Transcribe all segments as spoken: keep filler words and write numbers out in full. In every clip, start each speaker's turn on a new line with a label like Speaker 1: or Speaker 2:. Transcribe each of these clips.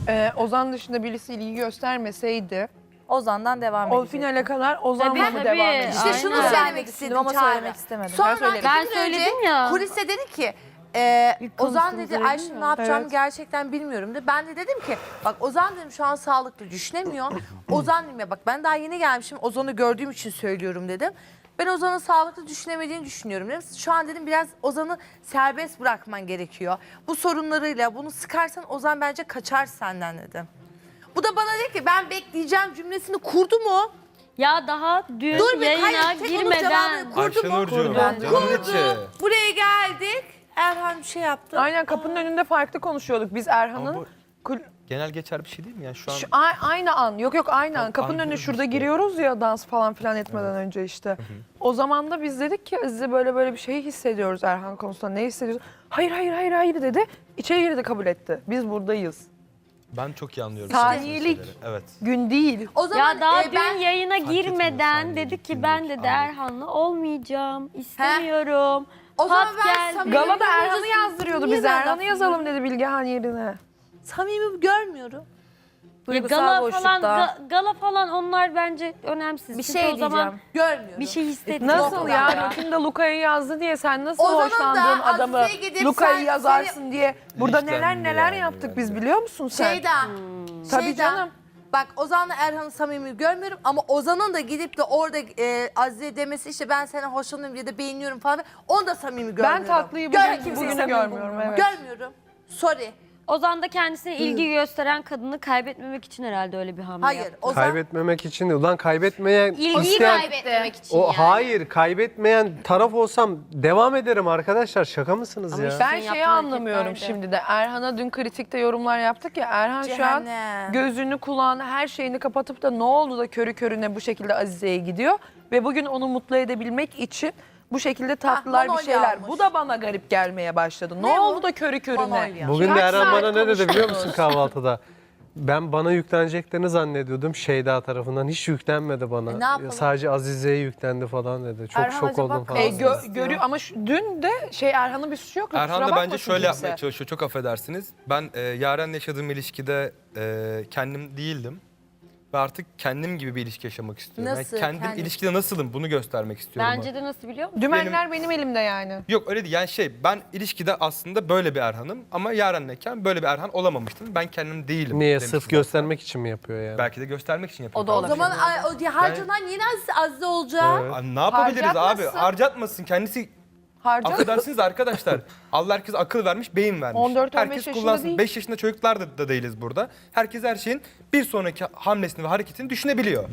Speaker 1: Ee, Ozan dışında birisi ilgi göstermeseydi
Speaker 2: Ozan'dan devam
Speaker 1: o
Speaker 2: edecek.
Speaker 1: finale kadar Ozan'la
Speaker 3: Tabii,
Speaker 1: mı
Speaker 3: tabii.
Speaker 1: devam edecek?
Speaker 3: İşte
Speaker 4: İşte şunu
Speaker 3: Aynen.
Speaker 4: söylemek istedim
Speaker 2: ama
Speaker 4: Çağrı.
Speaker 2: söylemek istemedim.
Speaker 4: Sonra
Speaker 1: Ben söyledim.
Speaker 3: Ben
Speaker 4: iki gün önce
Speaker 3: söyledim ya.
Speaker 4: Kulise dedi ki e,
Speaker 3: İlk
Speaker 4: Ozan
Speaker 3: konuştuğumuzda
Speaker 4: dedi
Speaker 3: dedim
Speaker 4: Ayşe
Speaker 3: ya.
Speaker 4: ne yapacağımı
Speaker 1: Evet.
Speaker 4: gerçekten bilmiyorum dedi. Ben de dedim ki bak Ozan dedim şu an sağlıklı düşünemiyor. Ozan dedim ya bak ben daha yeni gelmişim Ozan'ı gördüğüm için söylüyorum dedim. Ben Ozan'ın sağlıklı düşünemediğini düşünüyorum dedim. Şu an dedim biraz Ozan'ı serbest bırakman gerekiyor. Bu sorunlarıyla bunu sıkarsan Ozan bence kaçar senden dedim. Bu da bana dedi ki ben bekleyeceğim cümlesini kurdu mu?
Speaker 3: Ya daha dün
Speaker 4: Dur bir
Speaker 3: yayına
Speaker 4: hayır tek onun
Speaker 3: girmeden
Speaker 4: cevabını kurdu mu?
Speaker 5: Ayşenurcuğum, canımın içi.
Speaker 4: Kurdu. Buraya geldik. Erhan bir şey yaptı.
Speaker 1: Aynen kapının önünde farklı konuşuyorduk. Biz
Speaker 5: Ama
Speaker 1: Erhan'ın
Speaker 5: bu
Speaker 1: kul-
Speaker 5: genel geçer bir şey değil mi? Yani şu an
Speaker 1: Şu- a- aynı an. Yok yok aynı an. Kapının önüne
Speaker 5: anlıyorum
Speaker 1: şurada
Speaker 5: işte.
Speaker 1: giriyoruz ya dans falan filan etmeden önce işte. O zaman da biz dedik ki Aziz'e böyle böyle bir şey hissediyoruz Erhan konusunda. Ne hissediyoruz? Hayır hayır hayır hayır dedi. İçeri girdi kabul etti. Biz buradayız.
Speaker 5: ben çok iyi anlıyorum.
Speaker 1: Saniyelik.
Speaker 5: söylediğin şeyleri. Evet.
Speaker 1: Gün değil.
Speaker 4: O zaman
Speaker 3: ya daha
Speaker 4: e,
Speaker 3: dün
Speaker 4: ben
Speaker 3: yayına
Speaker 5: etmiyor
Speaker 3: girmeden
Speaker 5: saniye,
Speaker 3: dedi ki
Speaker 5: günlük,
Speaker 3: ben dedi
Speaker 5: anlık.
Speaker 3: Erhan'la olmayacağım, istemiyorum.
Speaker 4: o zaman
Speaker 3: Hat
Speaker 4: ben
Speaker 3: geldi.
Speaker 4: samimi
Speaker 1: Galada
Speaker 4: görmüyorum.
Speaker 1: Erhan'ı yazdırıyordu
Speaker 4: Niye
Speaker 1: biz.
Speaker 4: ben
Speaker 1: Erhan'ı
Speaker 4: laf
Speaker 1: yazalım dedi Bilgehan yerine.
Speaker 4: Samimi görmüyorum.
Speaker 3: Ya
Speaker 2: Duygusal
Speaker 3: gala
Speaker 2: boşlukta.
Speaker 3: falan ga- gala falan onlar bence önemsiz.
Speaker 2: Bir
Speaker 3: Çünkü
Speaker 2: şey
Speaker 3: o zaman
Speaker 2: diyeceğim.
Speaker 4: Görmüyorum.
Speaker 3: bir şey hissetmiyorum.
Speaker 1: Nasıl
Speaker 4: ya.
Speaker 1: ya? Rotinde Luka'yı yazdı diye sen nasıl
Speaker 4: Ozan'ın da
Speaker 1: hoşlandığın adamı
Speaker 4: Azize'ye gidip
Speaker 1: Luka'yı
Speaker 4: sen-
Speaker 1: yazarsın diye burada neler
Speaker 5: İlişkilendi
Speaker 1: neler
Speaker 5: yani
Speaker 1: yaptık biz
Speaker 5: bence.
Speaker 1: biliyor musun sen?
Speaker 4: Şeyda.
Speaker 1: Tabii
Speaker 4: Şeyda,
Speaker 1: canım.
Speaker 4: Bak Ozan'la Erhan'ı samimi görmüyorum ama Ozan'ın da gidip de orada e, Azize demesi işte ben seni hoşlanıyorum ya da beğeniyorum falan onu da samimi görmüyorum.
Speaker 1: Ben tatlıyı
Speaker 4: Gör-
Speaker 1: bugün,
Speaker 4: kimseyi
Speaker 1: bugünü
Speaker 4: samimi
Speaker 1: görmüyorum.
Speaker 4: bulmuyorum.
Speaker 1: Evet.
Speaker 4: Görmüyorum. Sorry.
Speaker 3: Ozan da kendisine ilgi gösteren kadını kaybetmemek için herhalde öyle bir hamle
Speaker 4: Hayır.
Speaker 3: yaptı.
Speaker 4: Ozan
Speaker 6: Kaybetmemek için değil. Ulan kaybetmeyen
Speaker 3: İlgiyi
Speaker 6: isteyen...
Speaker 3: kaybetmemek için
Speaker 6: O
Speaker 3: yani.
Speaker 6: hayır, kaybetmeyen taraf olsam devam ederim arkadaşlar. Şaka mısınız
Speaker 3: Ama
Speaker 6: ya?
Speaker 3: işte-
Speaker 1: Ben
Speaker 3: Senin
Speaker 1: şeyi
Speaker 3: yaptığın
Speaker 1: anlamıyorum
Speaker 3: hareketlerde.
Speaker 1: şimdi de. Erhan'a dün kritikte yorumlar yaptık ya. Erhan şu an
Speaker 4: Cehennem.
Speaker 1: gözünü, kulağını, her şeyini kapatıp da ne oldu da körü körüne bu şekilde Azize'ye gidiyor. Ve bugün onu mutlu edebilmek için bu şekilde tatlılar bir
Speaker 4: Manolya
Speaker 1: şeyler.
Speaker 4: almış.
Speaker 1: Bu da bana garip gelmeye başladı. Ne,
Speaker 4: Ne bu?
Speaker 1: oldu da körü körüne?
Speaker 4: Manolya.
Speaker 6: Bugün de
Speaker 1: Kaç
Speaker 6: Eren
Speaker 1: saat
Speaker 6: bana ne dedi biliyor musun
Speaker 1: konuştunuz?
Speaker 6: kahvaltıda? Ben bana yükleneceklerini zannediyordum Şeyda tarafından. Hiç yüklenmedi bana.
Speaker 4: E, ne yapalım?
Speaker 6: Sadece Azize'ye yüklendi falan dedi. Çok
Speaker 2: Erhan
Speaker 6: şok
Speaker 2: acaba
Speaker 6: oldum falan.
Speaker 1: E,
Speaker 2: kalsın
Speaker 1: gö-
Speaker 2: istiyor.
Speaker 1: görüyor ama şu- dün de şey Erhan'ın bir suçu yok.
Speaker 5: Erhan
Speaker 1: kusura
Speaker 5: da bence
Speaker 1: bakmasın
Speaker 5: şöyle
Speaker 1: kimse.
Speaker 5: yapmaya çalışıyor. Çok affedersiniz. Ben e, Yaren'le yaşadığım ilişkide e, kendim değildim. Ve artık kendim gibi bir ilişki yaşamak istiyorum.
Speaker 4: Nasıl?
Speaker 5: Yani kendim
Speaker 4: Kendim.
Speaker 5: ilişkide nasılım bunu göstermek istiyorum.
Speaker 3: Bence de nasıl biliyor musun?
Speaker 1: Dümenler benim, elimde yani.
Speaker 5: Yok öyle değil. Yani şey ben ilişkide aslında böyle bir Erhan'ım ama Yaren'leyken böyle bir Erhan olamamıştım. Ben kendim değilim.
Speaker 6: Niye?
Speaker 5: demiştim
Speaker 6: Sırf
Speaker 5: zaten.
Speaker 6: göstermek için mi yapıyor yani?
Speaker 5: Belki de göstermek için yapıyor.
Speaker 2: O da
Speaker 4: o
Speaker 2: olabilir.
Speaker 4: zaman ay, o, harcanan yeni Azize, Azize olacak.
Speaker 6: Evet.
Speaker 5: Abi ne yapabiliriz abi?
Speaker 1: Harcatmasın.
Speaker 5: Harcatmasın. Kendisi
Speaker 1: Harca.
Speaker 5: affedersiniz arkadaşlar. Allah herkes akıl vermiş, beyin vermiş.
Speaker 1: on dört on beş
Speaker 5: Herkes
Speaker 1: yaşında
Speaker 5: kullansın.
Speaker 1: değil.
Speaker 5: beş yaşında çocuklar da, da değiliz burada. Herkes her şeyin bir sonraki hamlesini ve hareketini düşünebiliyor.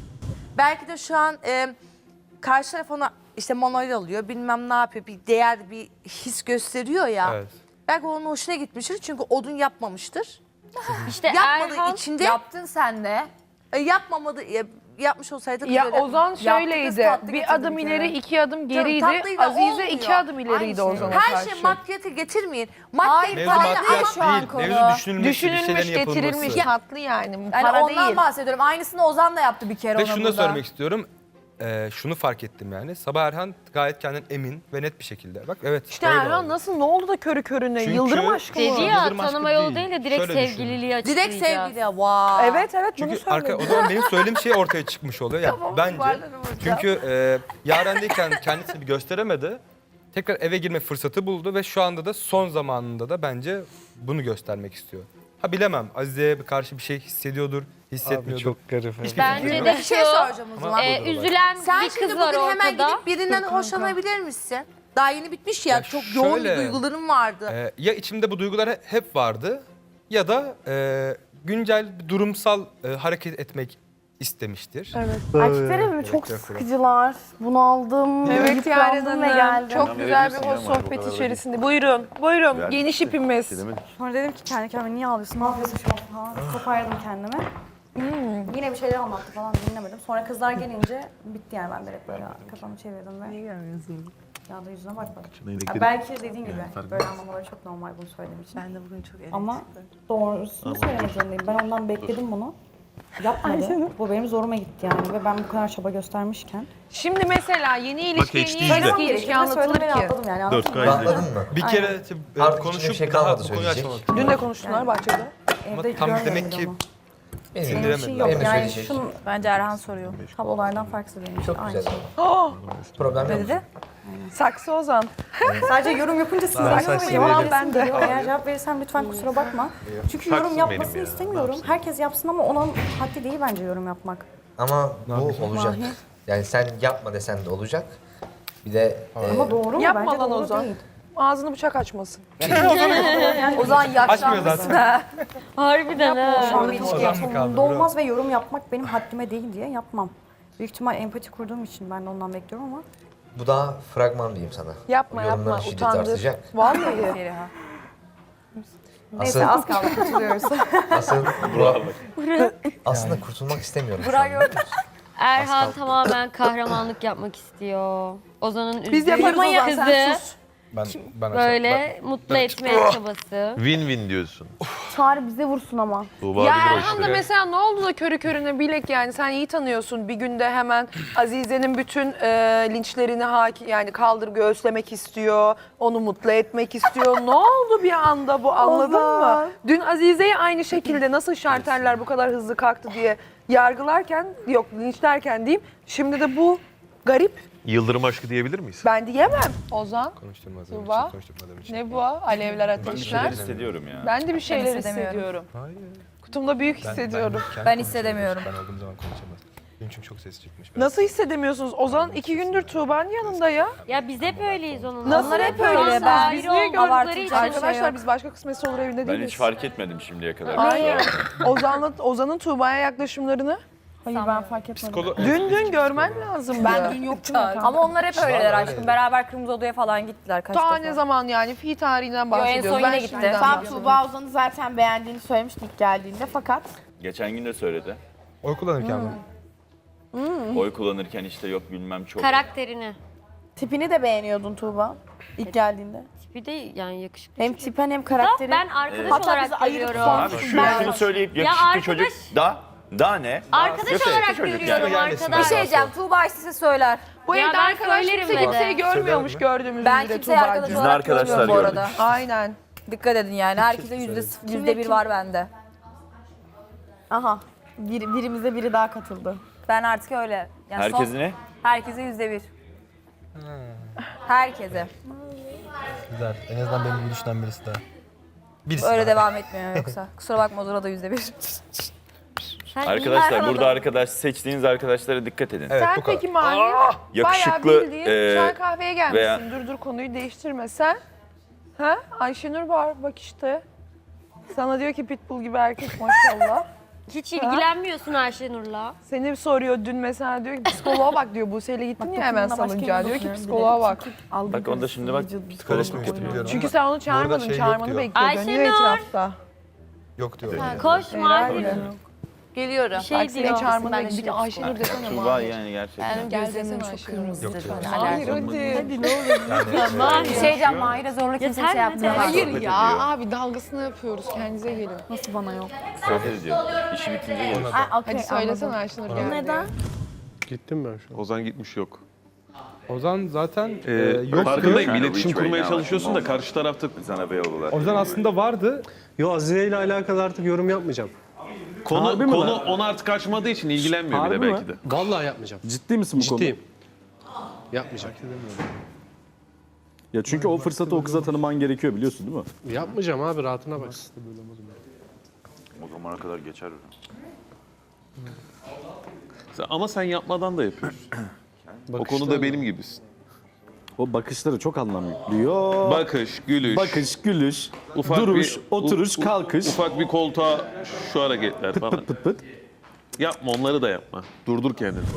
Speaker 4: Belki de şu an e, karşı taraf ona işte Manolya alıyor bilmem ne yapıyor bir değer bir his gösteriyor ya.
Speaker 5: Evet.
Speaker 4: Belki onun hoşuna gitmiştir çünkü odun yapmamıştır.
Speaker 3: İşte
Speaker 4: Yapmadığı
Speaker 3: Erhan
Speaker 4: içinde
Speaker 2: Yaptın sen de.
Speaker 4: e, yapmamadı e, yapmış olsaydı
Speaker 1: Ya
Speaker 4: kız öyle-
Speaker 1: Ozan
Speaker 2: Yaptı kız,
Speaker 1: şöyleydi.
Speaker 2: tatlı
Speaker 1: Bir
Speaker 2: getirdi
Speaker 1: adım
Speaker 2: bir
Speaker 1: ileri,
Speaker 2: kere.
Speaker 1: iki adım geriydi.
Speaker 4: tatlıyla
Speaker 1: Azize
Speaker 4: olmuyor.
Speaker 1: iki adım ileriydi
Speaker 4: Aynı şey.
Speaker 1: Ozan'a
Speaker 4: Her
Speaker 1: karşı.
Speaker 4: şey maddiyata getirmeyin.
Speaker 2: Hayır,
Speaker 4: Maddiyat
Speaker 5: Mevzu
Speaker 2: para
Speaker 4: para
Speaker 2: değil
Speaker 5: maddiyat
Speaker 2: şu an
Speaker 5: değil.
Speaker 2: konu.
Speaker 5: Mevzu düşünülmüş, bir
Speaker 1: Düşünülmüş,
Speaker 5: şeylerin yapılması.
Speaker 1: getirilmiş, tatlı yani.
Speaker 2: Yani
Speaker 1: Para
Speaker 2: ondan
Speaker 1: değil.
Speaker 2: bahsediyorum. Aynısını Ozan da yaptı bir kere
Speaker 5: Ve
Speaker 2: ona
Speaker 5: şunu da
Speaker 2: burada.
Speaker 5: söylemek istiyorum. Ee, şunu fark ettim yani. Sabah Erhan gayet kendinden emin ve net bir şekilde. Bak evet.
Speaker 1: İşte
Speaker 5: böyle
Speaker 1: Erhan
Speaker 5: oldu.
Speaker 1: nasıl ne oldu da körü körüne?
Speaker 5: Çünkü-
Speaker 1: Yıldırım aşkı mı?
Speaker 3: dedi ya
Speaker 5: Yıldırım aşkı
Speaker 3: tanıma yolu
Speaker 5: değil.
Speaker 3: değil de direkt
Speaker 5: Şöyle düşün.
Speaker 3: sevgililiği açıklayacağız.
Speaker 4: direkt sevgili vay.
Speaker 1: Evet evet bunu
Speaker 5: Çünkü arka,
Speaker 1: söyledim.
Speaker 5: o zaman benim söylediğim şey ortaya çıkmış oluyor. Yani
Speaker 1: Tamam,
Speaker 5: bence.
Speaker 1: toparlarım hocam.
Speaker 5: Çünkü e, Yaren'deyken kendisini bir gösteremedi. Tekrar eve girme fırsatı buldu ve şu anda da son zamanında da bence bunu göstermek istiyor. Ha bilemem Azize'ye karşı bir şey hissediyordur, hissetmiyordur.
Speaker 6: Abi çok garip. evet.
Speaker 5: Hiçbir
Speaker 3: Bence
Speaker 5: fikrim
Speaker 3: de
Speaker 5: yok.
Speaker 4: Bir şey
Speaker 3: şu,
Speaker 4: soracağım o zaman.
Speaker 3: e,
Speaker 5: Burada da var.
Speaker 3: üzülen
Speaker 4: Sen
Speaker 3: bir
Speaker 4: şimdi
Speaker 3: kız var
Speaker 4: bugün hemen
Speaker 3: ortada.
Speaker 4: gidip birinden
Speaker 1: Dur kanka.
Speaker 4: hoşlanabilir misin? Daha yeni bitmiş ya,
Speaker 5: Ya
Speaker 4: çok yoğun bir
Speaker 5: şöyle,
Speaker 4: duygularım vardı.
Speaker 5: Ee, ya içimde bu duygular he- hep vardı ya da e, güncel bir durumsal e, hareket etmek istemiştir.
Speaker 1: Evet.
Speaker 7: Erkekler evimi çok sıkıcılar. Bunaldım.
Speaker 1: Evet Yaren
Speaker 7: yıprandım ve
Speaker 1: Hanım.
Speaker 7: geldim.
Speaker 1: Çok güzel bir hoş sohbet içerisinde. Buyurun, buyurun. Geniş ipimiz.
Speaker 7: Sonra dedim ki kendi kendime niye ağlıyorsun? Ne yapıyorsun şu an falan. Toparladım kendimi.
Speaker 1: Hmm.
Speaker 7: Yine bir şeyler anlattı falan dinlemedim. Sonra kızlar gelince bitti yani ben direkt böyle kafamı çevirdim ve... Niye gelmiyorsun? Ya da yüzüne bakmadım. Ya belki dediğin gibi böyle anlamaları çok normal bunu söylediğim için. Ben de bugün çok Ama doğrusunu söylemek zorundayım. Ben ondan bekledim bunu. Yapmadı. Bu benim zoruma gitti yani ve ben bu kadar çaba göstermişken.
Speaker 1: Şimdi mesela yeni ilişkiye niye
Speaker 7: Söylemem
Speaker 1: eski ilişki
Speaker 7: gerektiğini
Speaker 1: anlatılır
Speaker 7: söylemeye
Speaker 1: ki?
Speaker 7: atladım yani.
Speaker 8: dört
Speaker 7: anladın mı?
Speaker 8: K
Speaker 9: Rahatladın mı?
Speaker 5: Bir kere e,
Speaker 9: Artık
Speaker 5: konuşup
Speaker 9: içinde bir şey
Speaker 5: daha
Speaker 9: kalmadı
Speaker 5: bu konuyu
Speaker 9: söyleyecek.
Speaker 5: açmamak.
Speaker 1: Dün de konuştular bahçede.
Speaker 5: Ama
Speaker 7: evde
Speaker 5: tam
Speaker 7: görmüyorum
Speaker 5: demek
Speaker 7: bile
Speaker 5: ki
Speaker 7: onu.
Speaker 8: Benim,
Speaker 7: Benim için
Speaker 5: sindiremediler.
Speaker 7: yok.
Speaker 8: Benim de
Speaker 7: Yani
Speaker 8: söyleyecek.
Speaker 7: şunun
Speaker 2: Bence Erhan soruyor.
Speaker 7: tam olaydan farksız benim için.
Speaker 8: Çok
Speaker 7: Aynı
Speaker 8: güzel.
Speaker 7: şey.
Speaker 8: Problem
Speaker 2: Ne
Speaker 8: yok.
Speaker 2: dedi?
Speaker 1: Saksı Ozan.
Speaker 7: Sadece yorum yapınca sinirleniyorum ve
Speaker 5: saksı
Speaker 7: cevap
Speaker 5: verelim.
Speaker 7: veresim geliyor. Eğer cevap verirsem lütfen kusura bakma. Çünkü yorum yapmasını istemiyorum. Herkes yapsın ama onun haddi değil bence yorum yapmak.
Speaker 8: Ama bu olacak. Yani sen yapma desen de olacak. Bir de e,
Speaker 7: Ama doğru mu?
Speaker 1: Yapma
Speaker 7: Bence
Speaker 1: lan
Speaker 7: doğru
Speaker 1: Ozan.
Speaker 7: değil.
Speaker 1: Ağzını bıçak açmasın.
Speaker 2: O zaman
Speaker 5: Açmıyor
Speaker 2: yaşlanmışsın
Speaker 5: zaten.
Speaker 2: ha.
Speaker 3: Harbiden ha.
Speaker 7: Şu an
Speaker 2: bir
Speaker 7: bir
Speaker 2: ilişki
Speaker 5: Ozan mı kaldı,
Speaker 7: umurumda olmaz ve yorum yapmak benim haddime değil diye yapmam. Büyük ihtimal empati kurduğum için ben de ondan bekliyorum ama.
Speaker 8: bu daha fragman diyeyim sana.
Speaker 1: Yapma
Speaker 8: Yorumların
Speaker 1: yapma
Speaker 8: şiddeti
Speaker 1: utandır.
Speaker 8: artacak.
Speaker 1: Vallahi.
Speaker 2: Feriha.
Speaker 7: Neyse
Speaker 8: Asıl,
Speaker 7: az kaldı katılıyoruz.
Speaker 8: asıl aslında kurtulmak istemiyorum. şu
Speaker 2: Burak
Speaker 8: anda.
Speaker 2: gördün.
Speaker 3: Erhan tamamen kahramanlık yapmak istiyor. Ozan'ın
Speaker 1: Biz
Speaker 3: üzdüğü
Speaker 1: yaparız Ozan
Speaker 3: kızı
Speaker 1: sen sus.
Speaker 5: Ben, ben
Speaker 3: böyle mutlu etmeye çabası.
Speaker 9: Win-win diyorsun.
Speaker 7: Çağrı bize vursun ama.
Speaker 9: Tuğba
Speaker 1: Ya
Speaker 9: bilir o
Speaker 1: Erhan da
Speaker 9: işleri.
Speaker 1: mesela ne oldu da körü körüne bilek yani sen iyi tanıyorsun. Bir günde hemen Azize'nin bütün e, linçlerini haki, yani kaldır göğüslemek istiyor. Onu mutlu etmek istiyor. Ne oldu bir anda bu anladın mı? Dün Azize'yi aynı şekilde nasıl şarterler bu kadar hızlı kalktı diye yargılarken yok linçlerken diyeyim. Şimdi de bu garip.
Speaker 9: Yıldırım aşkı diyebilir miyiz?
Speaker 1: Ben diyemem. Ozan
Speaker 5: konuşturmadığım
Speaker 1: Tuğba.
Speaker 5: için, konuşturmadığım için.
Speaker 1: ne bu? Alevler ateşler.
Speaker 10: hissediyorum ya.
Speaker 1: Ben de bir şeyler
Speaker 2: hissedemiyorum.
Speaker 1: hissediyorum.
Speaker 5: Hayır.
Speaker 1: Kutumda büyük
Speaker 5: Ben-
Speaker 1: hissediyorum.
Speaker 5: kendi
Speaker 2: Ben
Speaker 5: konuşuyorum.
Speaker 2: hissedemiyorum.
Speaker 5: Ben olduğum zaman konuşamaz. Benim çünkü çok ses çıkmış. Ben-
Speaker 1: Nasıl hissedemiyorsunuz? Ozan iki gündür Tuğba'nın yanında ya.
Speaker 3: Ya biz hep öyleyiz onunla.
Speaker 1: Nasıl
Speaker 2: Onlar
Speaker 1: hep
Speaker 2: hep
Speaker 1: öyle?
Speaker 2: öyle.
Speaker 1: Ben
Speaker 2: Ben
Speaker 1: biz niye gördükleri
Speaker 2: abartacak
Speaker 1: için?
Speaker 2: bir şey
Speaker 1: Arkadaşlar
Speaker 2: yok.
Speaker 1: biz başka kısmetse olur evinde
Speaker 10: Ben
Speaker 1: değiliz.
Speaker 10: hiç fark etmedim şimdiye kadar.
Speaker 1: Aynen. Ozan'la Ozan'ın Tuğba'ya yaklaşımlarını
Speaker 7: Hayır ben fark etmedim.
Speaker 5: Psikolo-
Speaker 1: dün dün görmen lazım.
Speaker 7: Ben dün yoktum.
Speaker 2: Ama onlar hep öyleler aşkım. Beraber Kırmızı Oda'ya falan gittiler kaç
Speaker 1: Ta
Speaker 2: defa.
Speaker 1: ne zaman yani fi tarihinden
Speaker 2: en
Speaker 1: bahsediyoruz.
Speaker 2: son
Speaker 1: Ben
Speaker 2: yine gitti.
Speaker 1: şimdiden
Speaker 2: Sen
Speaker 11: Sen
Speaker 1: bahsediyorum.
Speaker 11: Tuğba Ozan'ı zaten beğendiğini söylemiştin ilk geldiğinde fakat
Speaker 10: Geçen gün de söyledi.
Speaker 5: Oy kullanırken mi?
Speaker 10: Oy kullanırken işte yok bilmem çok.
Speaker 3: Karakterini.
Speaker 11: tipini de beğeniyordun Tuğba ilk geldiğinde.
Speaker 3: Tipi de yani yakışıklı.
Speaker 11: Hem tipen hem
Speaker 3: Da
Speaker 11: karakteri.
Speaker 3: ben arkadaş
Speaker 11: Hatta
Speaker 3: olarak
Speaker 11: bizi ayırıp
Speaker 3: görüyorum.
Speaker 10: Abi şunu, şunu söyleyip
Speaker 3: Ya
Speaker 10: yakışıklı
Speaker 3: arkadaş-
Speaker 10: çocuk da da ne?
Speaker 3: Arkadaş
Speaker 10: Yakışıklı
Speaker 3: olarak
Speaker 10: çocuk
Speaker 3: görüyorum
Speaker 10: yani.
Speaker 3: arkadaş.
Speaker 2: Bir şey diyeceğim. Tuğba size söyler.
Speaker 1: Bu
Speaker 3: Ya
Speaker 1: evde
Speaker 3: ben
Speaker 1: arkadaş
Speaker 3: söylerim
Speaker 1: kimse
Speaker 3: de.
Speaker 1: kimseyi görmüyormuş
Speaker 5: Söyler
Speaker 1: gördüğümüz
Speaker 2: Ben
Speaker 1: gibi
Speaker 2: kimseye arkadaş
Speaker 1: Tuğba'cığım.
Speaker 10: Biz de
Speaker 2: olarak
Speaker 10: arkadaşlar
Speaker 2: görmüyorum bu arada.
Speaker 1: Aynen.
Speaker 2: Dikkat edin yani. Herkese yüzde sıfır- yüzde bir var bende.
Speaker 11: Aha. Bir, birimize biri daha katıldı.
Speaker 2: Ben artık öyle. Yani son-
Speaker 10: Herkes ne?
Speaker 2: Herkese yüzde bir. Herkese.
Speaker 5: Güzel. En azından benim gibi düşünen birisi daha. Birisi
Speaker 2: Öyle
Speaker 5: daha.
Speaker 2: devam etmiyor yoksa. Kusura bakma Ozur'a da yüzde bir.
Speaker 3: Sen iyi
Speaker 10: Arkadaşlar
Speaker 2: Erhan'a
Speaker 10: burada
Speaker 2: da-
Speaker 10: arkadaş seçtiğiniz arkadaşlara dikkat edin.
Speaker 5: Evet
Speaker 1: Sen
Speaker 5: bu kadar.
Speaker 1: peki Mahir bayağı
Speaker 10: Yakışıklı
Speaker 1: bildiğin
Speaker 10: e,
Speaker 1: çay kahveye gelmişsin.
Speaker 10: veya-
Speaker 1: Dur dur konuyu değiştirme sen. Ha? Ayşenur var bak işte. Sana diyor ki pitbull gibi erkek maşallah.
Speaker 3: hiç ilgilenmiyorsun Ayşenur'la.
Speaker 1: Seni soruyor dün mesela diyor ki psikoloğa bak diyor. Buse'yle gittin ya hemen salıncağa diyor ki psikoloğa bak.
Speaker 10: Bak onda şimdi bak psikolojik yapıyor.
Speaker 1: Çünkü sen onu çağırmadın,
Speaker 5: şey yok
Speaker 1: çağırmanı
Speaker 5: diyor.
Speaker 1: bekliyor. Dönüyor
Speaker 3: Ayşenur!
Speaker 1: etrafta.
Speaker 5: Yok diyor.
Speaker 3: Koş Mahir.
Speaker 2: Geliyorum.
Speaker 3: Bir şey
Speaker 1: Bak seni
Speaker 3: diyor.
Speaker 1: çağırmanı bekliyor. Bir de Ayşenur desene
Speaker 10: Tuğba
Speaker 1: Mahir.
Speaker 10: yani gerçekten.
Speaker 1: Gel desene Ayşenur.
Speaker 5: Yok diyor.
Speaker 1: Hayır hadi. Hadi ne olur.
Speaker 3: Mahir.
Speaker 2: Bir şey diyeceğim. Mahir'e zorla kimse
Speaker 3: Yeter
Speaker 2: şey
Speaker 3: mi?
Speaker 2: yapmıyor.
Speaker 1: Hayır
Speaker 10: Sohbet
Speaker 1: ya
Speaker 10: ediyor.
Speaker 1: abi dalgasını yapıyoruz. Kendinize gelin.
Speaker 7: Nasıl bana yok?
Speaker 10: Sohbet ediyor. İşi bitince gelir.
Speaker 11: Ha, okey,
Speaker 1: Hadi söylesene
Speaker 11: anladım.
Speaker 1: Ayşenur geldi.
Speaker 11: Neden?
Speaker 6: Gittim ben şu an.
Speaker 9: Ozan gitmiş yok.
Speaker 5: Ozan zaten e,
Speaker 9: Ee,
Speaker 5: yoktu.
Speaker 9: farkındayım.
Speaker 10: Yani
Speaker 9: İletişim
Speaker 10: which way
Speaker 9: kurmaya
Speaker 10: now?
Speaker 9: çalışıyorsun da karşı tarafta
Speaker 10: Sana beyoğlular.
Speaker 5: Ozan aslında vardı.
Speaker 6: Yo Azize ile alakalı artık yorum yapmayacağım.
Speaker 9: konu
Speaker 6: Harbi mi
Speaker 9: konu
Speaker 6: lan?
Speaker 9: ona artık kaçmadığı için ilgilenmiyor bile belki de.
Speaker 6: Vallahi yapmayacağım.
Speaker 12: Ciddi misin bu konuda?
Speaker 6: Ciddiyim. Yapmayacağım.
Speaker 12: Ya çünkü o fırsatı o kıza tanıman gerekiyor biliyorsun değil mi?
Speaker 6: Yapmayacağım abi rahatına baksın.
Speaker 10: O zamana kadar geçer.
Speaker 9: Sen- Ama sen yapmadan da yapıyorsun. o
Speaker 6: Bakışlar
Speaker 9: konuda
Speaker 6: mı?
Speaker 9: benim gibisin.
Speaker 12: O bakışları çok anlam yüklüyor.
Speaker 9: Bakış, gülüş,
Speaker 12: Bakış, gülüş,
Speaker 9: ufak
Speaker 12: duruş,
Speaker 9: bir-
Speaker 12: oturuş,
Speaker 9: u- u-
Speaker 12: kalkış.
Speaker 9: ufak bir koltuğa şu hareketler falan.
Speaker 12: Pıt pıt pıt.
Speaker 9: Yapma onları da yapma. Durdur kendini.